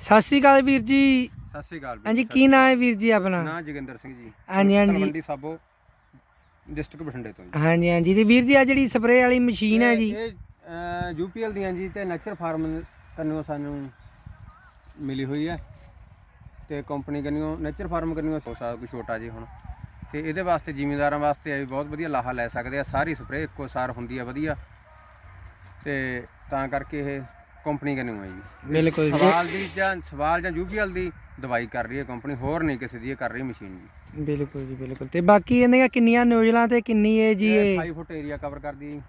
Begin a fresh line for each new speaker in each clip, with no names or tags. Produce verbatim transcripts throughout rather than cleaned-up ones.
ਸਤਿ ਸ਼੍ਰੀ ਅਕਾਲ ਵੀਰ ਜੀ।
ਸਤਿ ਸ਼੍ਰੀ ਅਕਾਲ
हाँ जी, की नाम है वीर जी अपना?
ਨਾਂ ਜੋਗਿੰਦਰ ਸਿੰਘ ਜੀ।
हाँ जी हाँ जी
ਤਲਵੰਡੀ ਸਾਬੋ ਡਿਸਟ੍ਰਿਕਟ ਬਠਿੰਡੇ ਤੋਂ ਜੀ।
हाँ जी हाँ जी। ਤੇ ਵੀਰ ਜੀ ਆ ਜਿਹੜੀ ਸਪਰੇਅ ਵਾਲੀ ਮਸ਼ੀਨ ਹੈ ਜੀ,
ਇਹ ਯੂਪੀਐਲ ਦੀਆਂ ਜੀ ਤੇ ਨੈਚਰ ਫਾਰਮ ਕੰਨਿਓ ਸਾਨੂੰ ਮਿਲੀ ਹੋਈ ਹੈ ਤੇ ਕੰਪਨੀ ਕੰਨਿਓ ਨੈਚਰ ਫਾਰਮ ਕੰਨਿਓ ਸਾਰਾ ਕੁਝ ਛੋਟਾ ਜੀ ਹੁਣ ਤੇ ਇਹਦੇ ਵਾਸਤੇ ਜ਼ਿਮੀਂਦਾਰਾਂ ਵਾਸਤੇ ਆ ਵੀ ਬਹੁਤ ਵਧੀਆ ਲਾਹਾ ਲੈ ਸਕਦੇ ਆ। ਸਾਰੀ ਸਪਰੇਅ ਇੱਕੋ ਸਾਰ ਹੁੰਦੀ ਹੈ ਵਧੀਆ ਤੇ ਤਾਂ ਕਰਕੇ ਇਹ ਕੰਪਨੀ ਕੰਨਿਓ ਹੈ ਜੀ।
ਬਿਲਕੁਲ ਜੀ।
ਸਵਾਲ ਦੀ ਜਾਂ ਸਵਾਲ ਜਾਂ ਯੂਪੀਐਲ ਦੀ ਦਵਾਈ ਕਰ ਰਹੀ ਹੈ ਕੰਪਨੀ, ਹੋਰ ਨਹੀਂ ਕਿਸੇ ਦੀ ਇਹ ਕਰ ਰਹੀ ਮਸ਼ੀਨ ਜੀ।
ਬਿਲਕੁਲ ਜੀ ਬਿਲਕੁਲ। ਤੇ ਬਾਕੀ ਇਹਦੀਆਂ ਕਿੰਨੀਆਂ ਨੋਜ਼ਲਾਂ ਤੇ ਕਿੰਨੀ ਹੈ ਜੀ? ਇਹ
ਅਠਾਈ ਫੁੱਟ ਏਰੀਆ ਕਵਰ ਕਰਦੀ ਹੈ ਜੀ।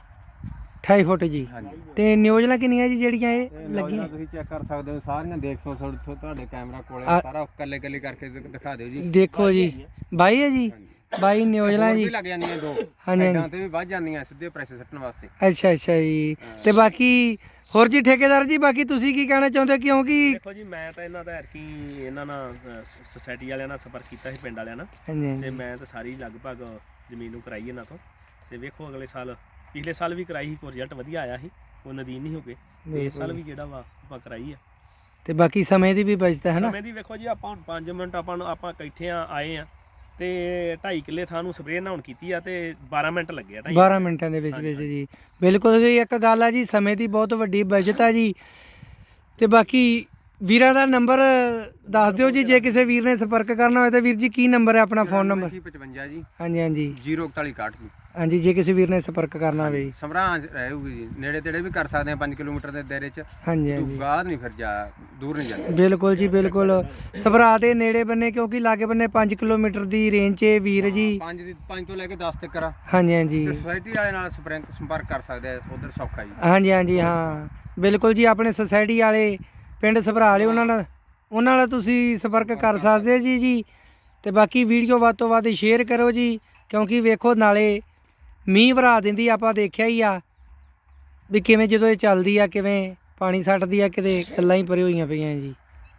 ਅਠਾਈ ਫੁੱਟ ਜੀ।
ਹਾਂਜੀ
ਤੇ ਨੋਜ਼ਲਾਂ ਕਿੰਨੀਆਂ ਜੀ ਜਿਹੜੀਆਂ ਇਹ
ਇਹ
ਲੱਗੀਆਂ?
ਲੱਗੀਆਂ ਤੁਸੀਂ ਚੈੱਕ ਕਰ ਸਕਦੇ ਹੋ ਸਾਰੀਆਂ, ਦੇਖ ਸੋ ਤੁਹਾਡੇ ਕੈਮਰਾ ਕੋਲੇ
ਆ-
ਸਾਰਾ ਕੱਲੇ ਕੱਲੇ ਕਰਕੇ ਦਿ- ਦਿਖਾ ਦਿਓ ਜੀ।
ਦੇਖੋ ਜੀ, ਬਾਈ ਹੈ ਜੀ, ਬਾਈ ਨੋਜ਼ਲਾਂ
ਹੋਰ
ਜੀ।
ਵੀ ਲੱਗ ਜਾਂਦੀਆਂ ਦੋ
ਹਾਂਜੀ।
ਸਾਈਡਾਂ ਤੇ ਵੀ ਵੱਜ ਜਾਂਦੀਆਂ ਸਿੱਧੇ ਪ੍ਰੈਸ਼ਰ ਸੱਟਣ ਵਾਸਤੇ।
ਅੱਛਾ ਅੱਛਾ ਜੀ। ਤੇ ਬਾਕੀ ਹੋਰ ਜੀ ਠੇਕੇਦਾਰ ਜੀ, ਬਾਕੀ ਤੁਸੀਂ ਕੀ ਕਹਿਣਾ ਚਾਹੁੰਦੇ? ਕਿਉਂਕਿ
ਦੇਖੋ ਜੀ, ਮੈਂ ਤਾਂ ਇਹਨਾਂ ਦਾ ਐਰਕੀ ਇਹਨਾਂ ਨਾਲ ਸੁਸਾਇਟੀ ਵਾਲਿਆਂ ਨਾਲ ਸੰਪਰਕ ਕੀਤਾ ਸੀ, ਪਿੰਡ ਵਾਲਿਆਂ ਨਾਲ,
ਹਾਂਜੀ
ਤੇ
ਹਾਂਜੀ
ਮੈਂ ਤਾਂ ਸਾਰੀ ਲਗਭਗ ਜ਼ਮੀਨ ਨੂੰ ਕਰਾਈ ਇਹਨਾਂ ਤੋਂ। ਤੇ ਵੇਖੋ ਅਗਲੇ ਸਾਲ, ਪਿਛਲੇ ਸਾਲ ਵੀ ਕਰਾਈ ਸੀ, ਕੋਈ ਰਿਜ਼ਲਟ ਵਧੀਆ ਆਇਆ ਸੀ, ਉਹ ਨਦੀਨ ਨਹੀਂ ਹੋ ਗਏ। ਤੇ ਇਸ ਸਾਲ ਵੀ ਜਿਹੜਾ ਵਾ ਆਪਾਂ ਕਰਾਈ ਆ।
ਤੇ ਬਾਕੀ ਸਮੇਂ ਦੀ ਵੀ ਬਚਤ ਹੈ ਨਾ।
ਸਮੇਂ ਦੀ ਵੇਖੋ ਜੀ, ਆਪਾਂ ਹੁਣ ਪੰਜ ਮਿੰਟ ਆਪਾਂ ਨੂੰ ਆਪਾਂ ਇਕੱਠੇ ਆ ਆਏ ਆ ਤੇ ਢਾਈ ਕਿੱਲੇ ਥਾਂ ਨੂੰ ਸਪਰੇਅ ਨਹਾਉਣ ਕੀਤੀ ਆ ਤੇ ਬਾਰਾਂ ਮਿੰਟ ਲੱਗੇ ਆ। ਢਾਈ
ਬਾਰਾਂ ਮਿੰਟਾਂ ਦੇ ਵਿੱਚ ਵਿੱਚ ਜੀ। ਬਿਲਕੁਲ ਜੀ, ਇੱਕ ਗੱਲ ਆ ਜੀ, ਸਮੇਂ ਦੀ ਬਹੁਤ ਵੱਡੀ ਬਚਤ ਆ ਜੀ। ਤੇ ਬਾਕੀ ਵੀਰਾਂ ਦਾ ਨੰਬਰ ਦੱਸ ਦਿਓ ਜੀ, ਜੇ ਕਿਸੇ ਵੀਰ ਨੇ ਸੰਪਰਕ ਕਰਨਾ ਹੋਵੇ ਤਾਂ। ਵੀਰ ਜੀ ਕੀ ਨੰਬਰ ਹੈ ਆਪਣਾ, ਫੋਨ ਨੰਬਰ?
ਪਚਵੰਜਾ ਜੀ
ਹਾਂਜੀ ਹਾਂਜੀ
ਜ਼ੀਰੋ ਇਕਤਾਲੀ ਇਕਾਹਠ ਜੀ।
ਹਾਂਜੀ, ਜੇ ਕਿਸੇ ਵੀਰ ਨੇ ਸੰਪਰਕ ਕਰਨਾ ਹੋਵੇ ਜੀ।
ਸਮਰਾਂਹ ਰਹੂਗੀ ਜੀ, ਨੇੜੇ ਤੇੜੇ ਵੀ ਕਰ ਸਕਦੇ ਆ ਪੰਜ ਕਿਲੋਮੀਟਰ ਦੇ ਦਾਇਰੇ 'ਚ।
ਹਾਂਜੀ ਹਾਂਜੀ
ਬਾਹਰ ਨਹੀਂ ਫਿਰ ਜਾ ਦੂਰ ਨਹੀਂ ਜਾਂਦੇ।
ਬਿਲਕੁਲ ਜੀ ਬਿਲਕੁਲ। ਸਭਰਾ ਦੇ ਨੇੜੇ ਬੰਨੇ, ਕਿਉਂਕਿ ਲਾਗੇ ਬੰਨੇ ਪੰਜ ਕਿਲੋਮੀਟਰ ਦੀ ਰੇਂਜ 'ਚ ਇਹ ਵੀਰ ਜੀ।
ਪੰਜ ਦੀ ਪੰਜ ਤੋਂ ਲੈ ਕੇ ਦਸ ਤੱਕ ਆ
ਹਾਂਜੀ ਹਾਂਜੀ
ਤੇ ਸੁਸਾਇਟੀ ਵਾਲੇ ਨਾਲ ਸੰਪਰਕ ਸੰਪਰਕ ਕਰ ਸਕਦੇ ਆ, ਉਧਰ ਸੌਖਾ ਜੀ।
ਹਾਂਜੀ ਹਾਂਜੀ ਹਾਂ ਬਿਲਕੁਲ ਜੀ। ਆਪਣੇ ਸੁਸਾਇਟੀ ਵਾਲੇ ਪਿੰਡ ਸਭਰਾ ਵਾਲੇ, ਉਹਨਾਂ ਨਾਲ ਉਹਨਾਂ ਨਾਲ ਤੁਸੀਂ ਸੰਪਰਕ ਕਰ ਸਕਦੇ ਜੀ ਜੀ। ਤੇ ਬਾਕੀ ਵੀਡੀਓ ਵੱਧ ਤੋਂ ਵੱਧ ਸ਼ੇਅਰ ਕਰੋ ਜੀ, ਕਿਉਂਕਿ ਵੇਖੋ ਨਾਲੇ ਮੀਂਹ ਵਰਾ ਦਿੰਦੀ, ਆਪਾਂ ਦੇਖਿਆ ਹੀ ਆ ਵੀ ਕਿਵੇਂ ਜਦੋਂ ਇਹ ਚੱਲਦੀ ਆ ਕਿਵੇਂ ਪਾਣੀ ਸੱਟਦੀ ਆ, ਕਿਤੇ ਗੱਲਾਂ ਹੀ ਪਰੇ ਹੋਈਆਂ ਪਈਆਂ ਜੀ।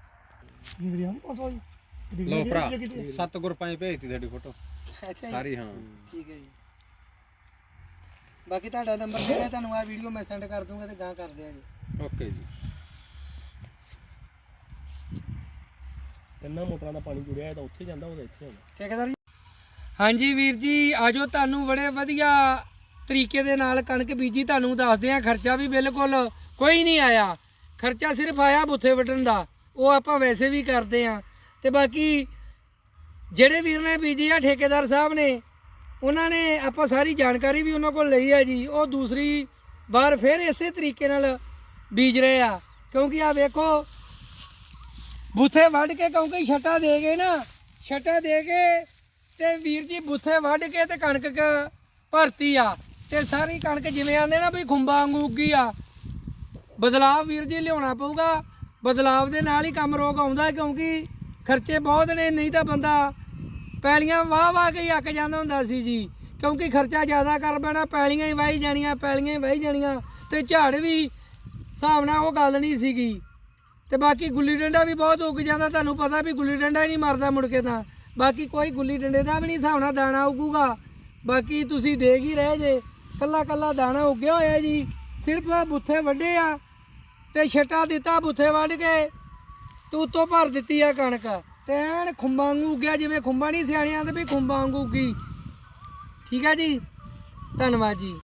ਲੋ ਭਰਾ ਸੱਤ ਗਰੁੱਪਾਂ 'ਚ ਭੇਜਤੀ ਤੁਹਾਡੀ ਫੋਟੋ ਸਾਰੀ। ਹਾਂ
ਠੀਕ ਹੈ ਜੀ। ਬਾਕੀ ਤੁਹਾਡਾ ਨੰਬਰ ਦੇ ਰਿਹਾ, ਤੁਹਾਨੂੰ ਆ ਵੀਡੀਓ ਮੈਂ ਸੈਂਡ ਕਰ ਦੂੰਗਾ ਤੇ ਗਾਂ ਕਰ ਦਿਆ ਜੀ।
ਓਕੇ ਜੀ।
ਤਿੰਨਾਂ ਮੋਟਰਾਂ ਦਾ ਪਾਣੀ ਜੁੜਿਆ, ਤਾਂ ਉੱਥੇ ਜਾਂਦਾ, ਉਹਦਾ ਇੱਥੇ ਆਉਂਦਾ।
ਠੇਕੇਦਾਰ ਜੀ। ਹਾਂਜੀ ਵੀਰ ਜੀ, ਆਜੋ ਤੁਹਾਨੂੰ ਬੜੇ ਵਧੀਆ ਤਰੀਕੇ ਦੇ ਨਾਲ ਕਣਕ ਬੀਜੀ, ਤੁਹਾਨੂੰ ਦੱਸਦੇ ਆ। ਖਰਚਾ ਵੀ ਬਿਲਕੁਲ ਕੋਈ ਨਹੀਂ ਆਇਆ, ਖਰਚਾ ਸਿਰਫ ਆਇਆ ਬੁੱਥੇ ਵੱਢਣ ਦਾ, ਉਹ ਆਪਾਂ ਵੈਸੇ ਵੀ ਕਰਦੇ ਆ। ਤੇ ਬਾਕੀ ਜਿਹੜੇ ਵੀਰ ਨੇ ਬੀਜੀ ਆ, ਠੇਕੇਦਾਰ ਸਾਹਿਬ ਨੇ, ਉਹਨਾਂ ਨੇ ਆਪਾਂ ਸਾਰੀ ਜਾਣਕਾਰੀ ਵੀ ਉਹਨਾਂ ਕੋਲ ਲਈ ਆ ਜੀ। ਉਹ ਦੂਸਰੀ ਵਾਰ ਫਿਰ ਇਸੇ ਤਰੀਕੇ ਨਾਲ ਬੀਜ ਰਹੇ ਆ, ਕਿਉਂਕਿ ਆ ਵੇਖੋ ਬੁੱਥੇ ਵੱਢ ਕੇ, ਕਿਉਂਕਿ ਛੱਟਾ ਦੇ ਗਏ ਨਾ, ਛੱਟਾ ਦੇ ਕੇ ਤੇ ਵੀਰ ਜੀ ਬੁੱਥੇ ਵੱਢ ਕੇ ਤੇ ਕਣਕ ਕ ਭਰਤੀ ਆ, ਤੇ ਸਾਰੀ ਕਣਕ ਜਿਵੇਂ ਆਂਦੇ ਨਾ ਵੀ ਖੁੰਬਾਂ ਵਾਂਗੂ ਉੱਗੀ ਆ। ਬਦਲਾਵ ਵੀਰ ਜੀ ਲਿਆਉਣਾ ਪਊਗਾ, ਬਦਲਾਵ ਦੇ ਨਾਲ ਹੀ ਕੰਮ ਰੋਗ ਆਉਂਦਾ, ਕਿਉਂਕਿ ਖਰਚੇ ਬਹੁਤ ਨੇ। ਨਹੀਂ ਤਾਂ ਬੰਦਾ ਪੈਲੀਆਂ ਵਾਹ ਵਾਹ ਕੇ ਹੀ ਅੱਕ ਜਾਂਦਾ ਹੁੰਦਾ ਸੀ ਜੀ, ਕਿਉਂਕਿ ਖਰਚਾ ਜ਼ਿਆਦਾ ਕਰ ਪੈਣਾ, ਪੈਲੀਆਂ ਹੀ ਵਾਹੀ ਜਾਣੀਆਂ, ਪੈਲੀਆਂ ਹੀ ਵਾਹੀ ਜਾਣੀਆਂ, ਤੇ ਝਾੜ ਵੀ ਹਿਸਾਬ ਨਾਲ ਉਹ ਗੱਲ ਨਹੀਂ ਸੀਗੀ। ਤੇ ਬਾਕੀ ਗੁੱਲੀ ਡੰਡਾ ਵੀ ਬਹੁਤ ਉੱਗ ਜਾਂਦਾ, ਤੁਹਾਨੂੰ ਪਤਾ ਵੀ ਗੁੱਲੀ ਡੰਡਾ ਹੀ ਨਹੀਂ ਮਰਦਾ ਮੁੜ ਕੇ ਤਾਂ। ਬਾਕੀ ਕੋਈ ਗੁੱਲੀ ਡੰਡੇ ਦਾ ਵੀ ਨਹੀਂ ਹਿਸਾਬ ਨਾਲ ਦਾਣਾ ਉੱਗੂਗਾ। ਬਾਕੀ ਤੁਸੀਂ ਦੇਖ ਹੀ ਰਹੇ ਜੇ, ਕੱਲਾ ਕੱਲਾ ਦਾਣਾ ਉੱਗਿਆ ਹੋਇਆ ਜੀ। ਸਿਰਫ ਆ ਬੁੱਥੇ ਵੱਢੇ ਆ ਤੇ ਛੱਟਾ ਦਿੱਤਾ, ਬੁੱਥੇ ਵੱਢ ਕੇ ਤੂੰ ਉੱਤੋਂ ਭਰ ਦਿੱਤੀ ਆ ਕਣਕ, ਤੇ ਐਨ ਖੁੰਬਾਂ ਵਾਂਗੂ ਉੱਗਿਆ, ਜਿਵੇਂ ਖੁੰਬਾਂ ਨਹੀਂ ਸਿਆਣਿਆਂ ਦੇ ਵੀ ਖੁੰਬਾਂ ਵਾਂਗੂ ਉੱਗੀ। ਠੀਕ ਹੈ ਜੀ, ਧੰਨਵਾਦ ਜੀ।